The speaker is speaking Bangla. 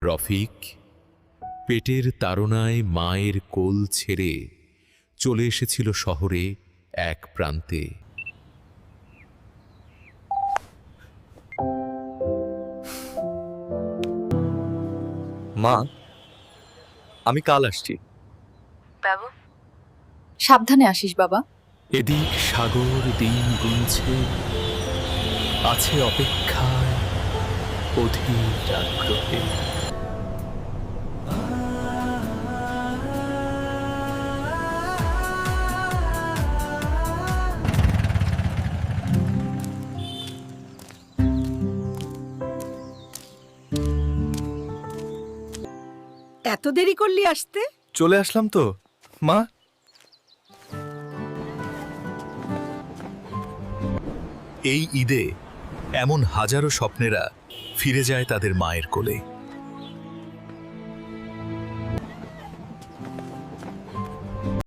রফিক পেটের তাড়নায় মায়ের কোল ছেড়ে চলে এসেছিল শহরে এক প্রান্তে। মা, আমি কাল আসছি। বাবু সাবধানে আসিস বাবা। এদিক সাগর দিন গুনছে, আছে অপেক্ষায় অধীর আগ্রহে। এত দেরি করলি আসতে? চলে আসলাম তো মা। এই ঈদে এমন হাজারো স্বপ্নেরা ফিরে যায় তাদের মায়ের কোলে।